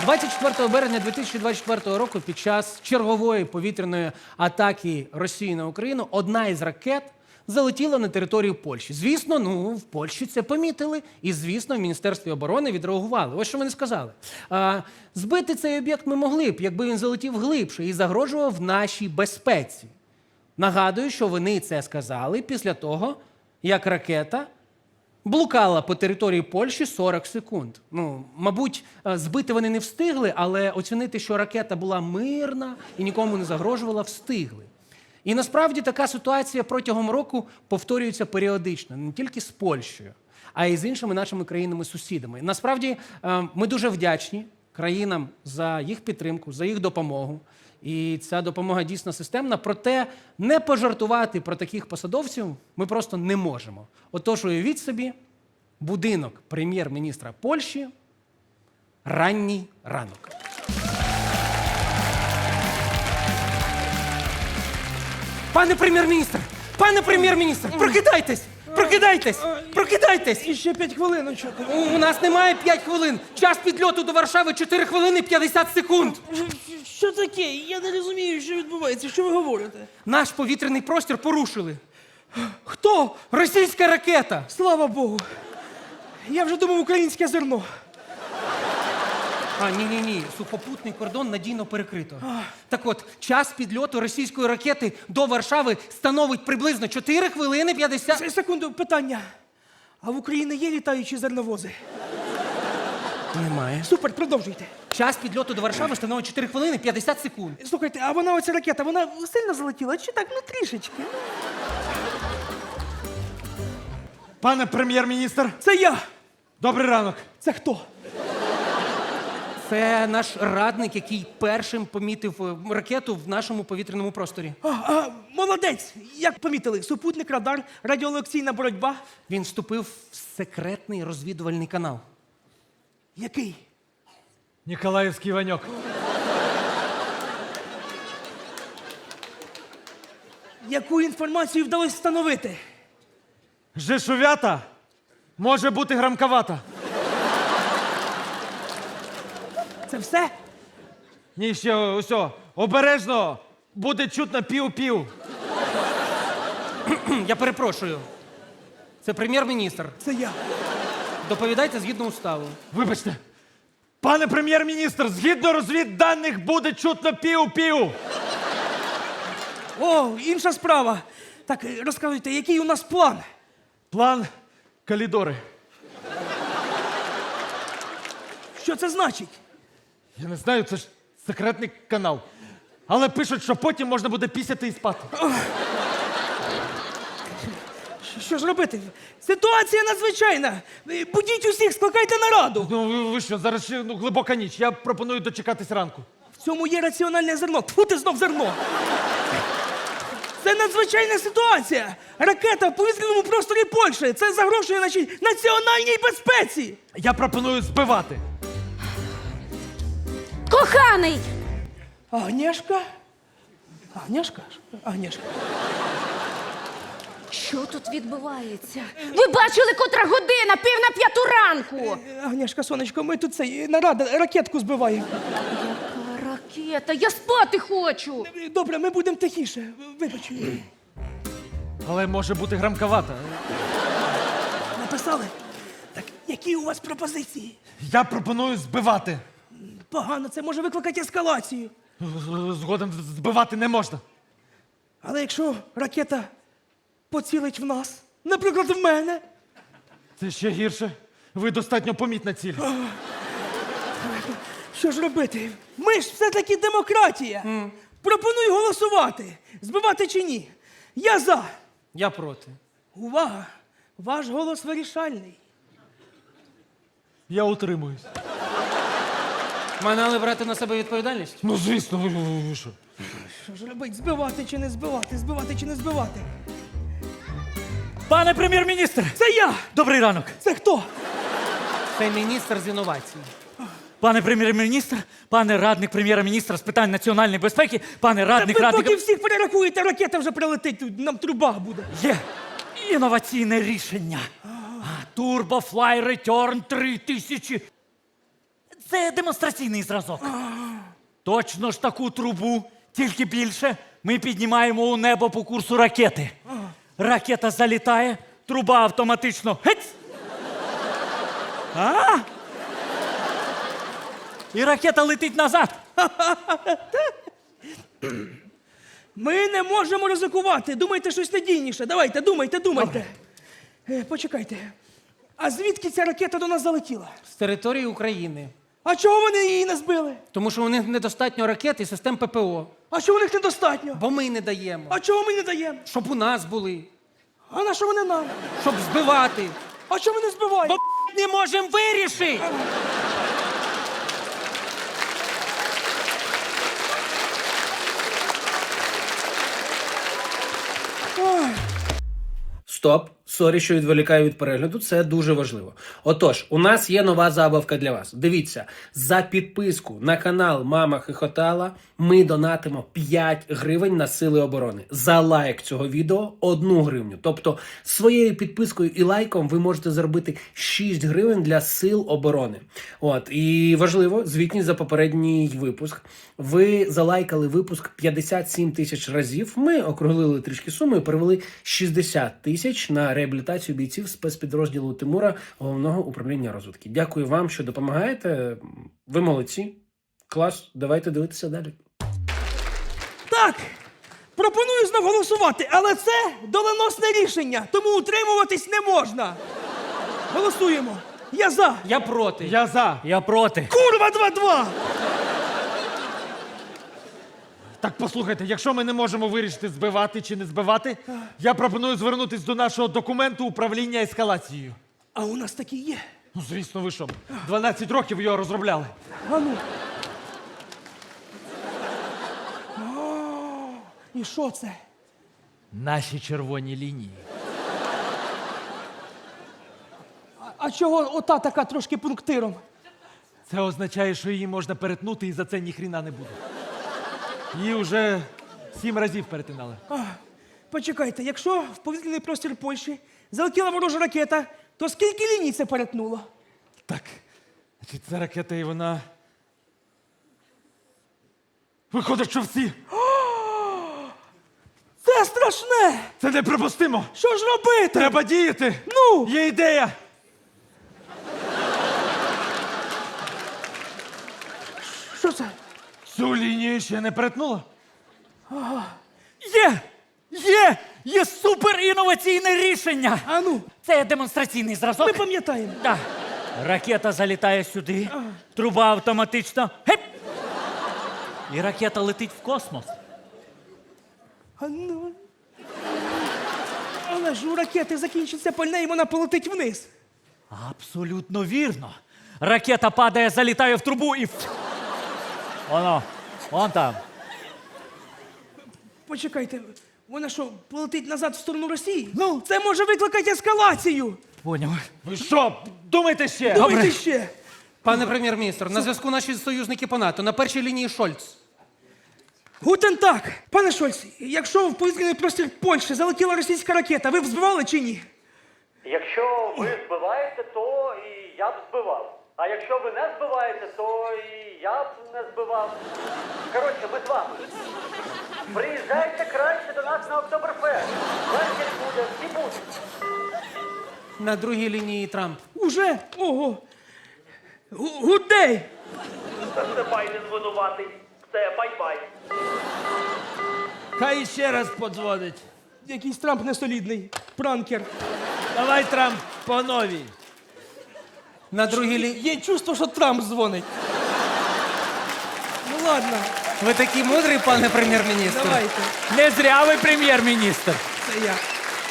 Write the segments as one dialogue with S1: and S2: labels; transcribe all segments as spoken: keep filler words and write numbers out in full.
S1: двадцять четвертого березня дві тисячі двадцять четвертого року під час чергової повітряної атаки Росії на Україну одна із ракет залетіла на територію Польщі. Звісно, ну, в Польщі це помітили і, звісно, в Міністерстві оборони відреагували. Ось що вони сказали. А, збити цей об'єкт ми могли б, якби він залетів глибше і загрожував нашій безпеці. Нагадую, що вони це сказали після того, як ракета блукала по території Польщі сорок секунд. Ну, мабуть, збити вони не встигли, але оцінити, що ракета була мирна і нікому не загрожувала, встигли. І насправді така ситуація протягом року повторюється періодично, не тільки з Польщею, а й з іншими нашими країнами-сусідами. Насправді, ми дуже вдячні країнам за їх підтримку, за їх допомогу. І ця допомога дійсно системна, проте не пожартувати про таких посадовців ми просто не можемо. Отож, уявіть собі, будинок прем'єр-міністра Польщі, ранній ранок. Пане прем'єр-міністр! Пане прем'єр-міністр! Прокидайтесь! Прокидайтесь! Прокидайтесь!
S2: І ще п'ять хвилиночок.
S1: У нас немає п'ять хвилин. Час підльоту до Варшави чотири хвилини п'ятдесят секунд.
S2: Що таке? Я не розумію, що відбувається. Що ви говорите?
S1: Наш повітряний простір порушили.
S2: Хто?
S1: Російська ракета.
S2: Слава Богу. Я вже думав, українське зерно.
S1: А, ні-ні-ні, сухопутний кордон надійно перекрито. Так от, час підльоту російської ракети до Варшави становить приблизно чотири хвилини п'ятдесят...
S2: С- Секунду, питання. А в Україні є літаючі зерновози?
S1: Немає.
S2: Супер, продовжуйте.
S1: Час підльоту до Варшави становить чотири хвилини п'ятдесят секунд.
S2: Слухайте, а вона, оця ракета, вона сильно залетіла? Чи так, ну трішечки?
S3: Пане прем'єр-міністр,
S2: Це я.
S3: добрий ранок.
S2: Це хто?
S1: Це наш радник, який першим помітив е, ракету в нашому повітряному просторі.
S2: А, а, молодець. Як помітили? Супутник, радар, радіолекційна боротьба.
S1: Він вступив в секретний розвідувальний канал.
S2: Який?
S3: Ніколаївський Ваньок.
S2: Яку інформацію вдалося встановити?
S3: Жешувята може бути грамковата.
S2: Це все?
S3: Ні, ще ось, обережно, буде чутно пів-пів.
S1: Я перепрошую. Це прем'єр-міністр.
S2: Це я.
S1: Доповідайте згідно уставу.
S3: Вибачте. Пане прем'єр-міністр, згідно розвідданих буде чутно пів-пів.
S2: О, інша справа. Так, розказуйте, який у нас план?
S3: План Калідори.
S2: Що це значить?
S3: Я не знаю, це ж секретний канал. Але пишуть, що потім можна буде пісяти і спати.
S2: Що ж робити? Ситуація надзвичайна. Будіть усіх, скликайте нараду.
S3: Ну ви, ви що, зараз ще ну, глибока ніч. Я пропоную дочекатись ранку.
S2: В цьому є раціональне зерно. Тьфу, ти знов зерно. Це надзвичайна ситуація. Ракета в повітряному просторі Польщі. Це загрожує нашій національній безпеці.
S3: Я пропоную збивати.
S4: Коханий!
S2: Агнєшка? Агнєшка? Агнєшка.
S4: Що тут відбувається? Ви бачили, котра година, пів на п'яту ранку.
S2: Агнєшка, сонечко, ми тут цей нарада, ракетку збиваємо.
S4: Яка ракета, я спати хочу.
S2: Добре, ми будемо тихіше. Вибач.
S3: Але може бути грамковата.
S2: Написали? Так, які у вас пропозиції?
S3: Я пропоную збивати.
S2: Погано, це може викликати ескалацію.
S3: Згодом збивати не можна.
S2: Але якщо ракета поцілить в нас, наприклад, в мене,
S3: Це ще гірше. Ви достатньо помітна ціль.
S2: що ж робити? Ми ж все-таки демократія. Mm. Пропоную голосувати, збивати чи ні. Я за.
S1: Я проти.
S2: Увага! Ваш голос вирішальний.
S3: Я утримуюсь.
S1: Мали брати на себе відповідальність?
S3: Ну, звісно, ви, ви, ви що?
S2: Що ж робити? Збивати чи не збивати? Збивати чи не збивати?
S5: Пане прем'єр-міністр!
S2: Це я!
S5: Добрий ранок!
S2: Це хто?
S1: Це міністр з інновацій.
S5: Пане прем'єр-міністр, пане радник прем'єра-міністра з питань національної безпеки, пане радник
S2: Ви
S5: радника...
S2: поки всіх перерахуєте, ракета вже прилетить, тут нам труба буде.
S5: Є інноваційне рішення. Turbo Fly Return три тисячі. Це демонстраційний зразок. Точно ж таку трубу, тільки більше, ми піднімаємо у небо по курсу ракети. Ракета залітає, труба автоматично геть! А? І ракета летить назад.
S2: Ми не можемо ризикувати. Думайте щось надійніше. Давайте, думайте, думайте. Е, почекайте. А звідки ця ракета до нас залетіла?
S1: З території України.
S2: А чого вони її не збили?
S1: Тому що у них недостатньо ракет і систем ППО.
S2: А чого у них недостатньо?
S1: Бо ми не даємо.
S2: А чого ми не даємо?
S1: Щоб у нас були.
S2: А на що вони нам?
S1: Щоб збивати.
S2: А чого ми не збиваємо?
S1: Бо не можемо вирішити. Стоп, сорі, що відволікаю від перегляду, це дуже важливо. Отож, у нас є нова забавка для вас. Дивіться, за підписку на канал Мама Хихотала ми донатимо п'ять гривень на Сили оборони. За лайк цього відео одну гривню. Тобто своєю підпискою і лайком ви можете заробити шість гривень для Сил оборони. От, і важливо, звітність за попередній випуск. Ви залайкали випуск п'ятдесят сім тисяч разів. Ми округлили трішки суму і перевели шістдесят тисяч на реабілітацію бійців спецпідрозділу Тимура Головного управління розвідки. Дякую вам, що допомагаєте. Ви молодці. Клас. Давайте дивитися далі.
S2: Так, пропоную знов голосувати, але це доленосне рішення, тому утримуватись не можна. Голосуємо. Я за.
S1: Я проти.
S3: Я за.
S5: Я проти.
S2: Курва два-два!
S3: Так послухайте, якщо ми не можемо вирішити, збивати чи не збивати, я пропоную звернутися до нашого документу управління ескалацією.
S2: А у нас такі є.
S3: Ну, звісно, ви що, дванадцять років його розробляли.
S2: А ну. О, і що це?
S3: Наші червоні лінії.
S2: А, а чого ота така трошки пунктиром?
S3: Це означає, що її можна перетнути і за це ніхріна не буде. Її вже сім разів перетинали.
S2: А, почекайте, якщо в повітряний простір Польщі залетіла ворожа ракета, то скільки ліній це перетнуло?
S3: Так, значить, ця ракета і вона... Виходить, що всі.
S2: Це страшне!
S3: Це неприпустимо!
S2: Що ж робити?
S3: Треба діяти!
S2: Ну!
S3: Є ідея!
S2: Що це?
S3: Цю лінію ще не перетнула?
S5: Є! Є! Є супер інноваційне рішення!
S2: А ну,
S5: Це демонстраційний зразок.
S2: ми пам'ятаємо.
S5: Так. Ракета залітає сюди, труба автоматично. Геп! І ракета летить в космос.
S2: А ну. Але ж у ракети закінчиться пальне і вона полетить вниз.
S5: Абсолютно вірно. Ракета падає, залітає в трубу і. Воно, вон там.
S2: Почекайте, вона що, полетить назад в сторону Росії? Ну, це може викликати ескалацію.
S5: Поняв.
S3: Ви що, думайте ще?
S2: Думайте ще.
S1: Пане прем'єр-міністр, на зв'язку наші союзники по НАТО. На першій лінії Шольц.
S2: Гутен так. Пане Шольц, якщо в повітряний простір Польщі залетіла російська ракета, ви б збивали чи ні?
S6: Якщо ви збиваєте, то і я б збивав. А якщо ви не збиваєте, то і я б не збивав. Коротше, ми з вами. Приїжджайте краще до нас на Октоберфест. Вечір буде, всі будуть.
S1: На другій лінії Трамп.
S2: Уже? Ого. Гу- Гудей!
S6: Та це Байден винуватий. Все, бай-бай.
S7: Хай ще раз подзвонить.
S2: Якийсь Трамп несолідний. Пранкер.
S7: Давай, Трамп, по новій.
S1: На другій лінії...
S2: Є чувство, що Трамп дзвонить. Ну ладно,
S1: Ви такий мудрий, пане прем'єр-міністр.
S2: давайте.
S5: Не зря ви прем'єр-міністр.
S2: Це я.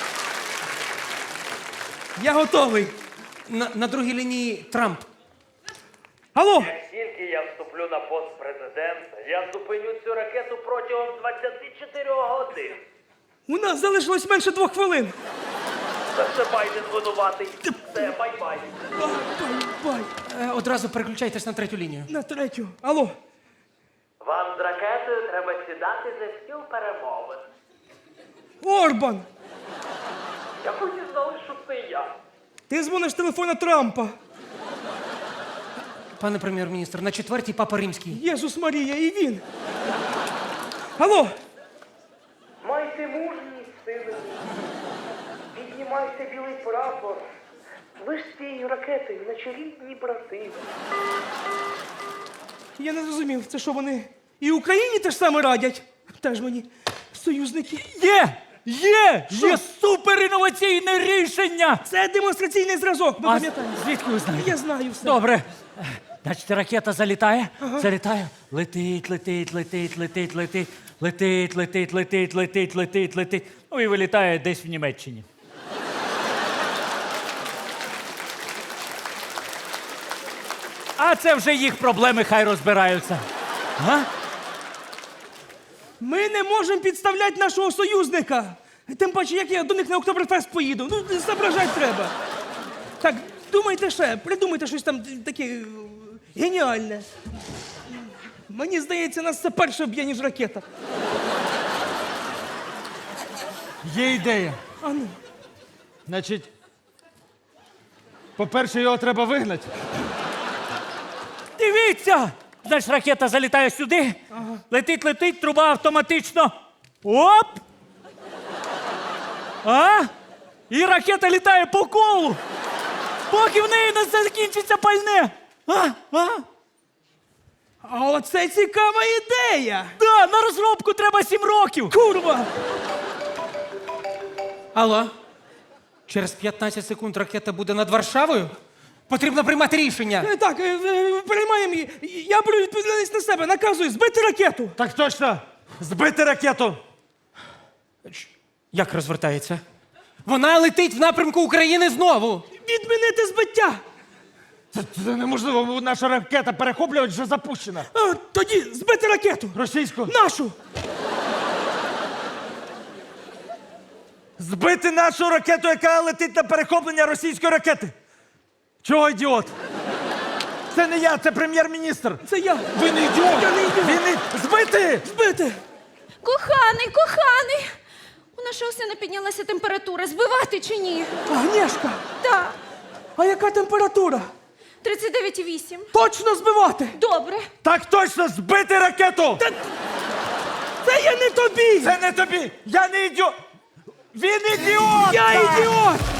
S2: Я готовий.
S1: На, на другій лінії Трамп.
S2: Алло!
S6: Як тільки я вступлю на пост президента, я зупиню цю ракету протягом двадцяти чотирьох годин.
S2: У нас залишилось менше двох хвилин.
S6: Та це Байден винуватий. Все, бай-бай.
S2: Бай-бай.
S1: Е, одразу переключайтесь на третю лінію.
S2: На третю. Алло.
S6: Вам з ракетою треба сідати за стіл перемовин.
S2: Орбан!
S6: Як ви дізнались, що це я?
S2: Ти дзвониш з телефона Трампа.
S1: Пане прем'єр-міністр, на четвертій папа римський.
S2: Єсус Марія, і він. Алло,
S6: Майте мужність, сили. Піднімайте білий прапор. Ви ж з цією ракетою, наче рідні брати.
S2: я не зрозумів, це що вони і Україні те ж саме радять? Теж мені союзники.
S5: Є! Є! Є суперінноваційне рішення!
S2: Це демонстраційний зразок, ми
S5: А
S2: пам'ятаємо.
S5: звідки ви знаєте?
S2: Я знаю все.
S5: Добре. Значить, ракета залітає, залітає, летить, летить, летить, летить, летить, летить, летить, летить, летить, летить, летить. Ну і вилітає десь в Німеччині. А це вже їх проблеми, хай розбираються. А?
S2: Ми не можемо підставляти нашого союзника. Тим паче, як я до них на Октоберфест поїду. Ну, зображати треба. Так, думайте ще, придумайте щось там таке е, геніальне. Мені здається, нас це перше б'є, ніж ракета.
S3: Є ідея.
S2: А ну.
S3: Значить, по-перше, його треба вигнати.
S5: Дивіться! Значить, ракета залітає сюди, летить, летить, труба автоматично. Оп! А? І ракета літає по колу, поки в неї не закінчиться пальне. А? А?
S2: А оце цікава ідея!
S5: Да, на розробку треба сім років.
S2: Курва!
S1: Алло? Через п'ятнадцять секунд ракета буде над Варшавою? Потрібно приймати рішення.
S2: Е, Так, е, е, приймаємо її. Я беру відповідальність на себе, наказую збити ракету.
S3: Так точно! Збити ракету!
S1: Як розвертається? Вона летить в напрямку України знову.
S2: Відмінити збиття.
S3: Це, це неможливо, наша ракета перехоплювач вже запущена.
S2: А, тоді збити ракету.
S3: Російську.
S2: Нашу.
S3: Збити нашу ракету, яка летить на перехоплення російської ракети. Чого ідіот? Це не я, це прем'єр-міністр.
S2: Це я.
S3: Ви не ідіот!
S2: Я не ідіот.
S3: Він не... Збити!
S2: Збити.
S4: Коханий, коханий! У нашого сина піднялася температура. Збивати чи ні?
S2: Агнєшка,
S4: Так.
S2: а яка температура?
S4: тридцять дев'ять і вісім.
S2: Точно збивати.
S4: Добре.
S3: Так точно, збити ракету!
S2: Це я не тобі.
S3: Це не тобі! Я не ідіот! Він ідіот!
S2: Я ідіот.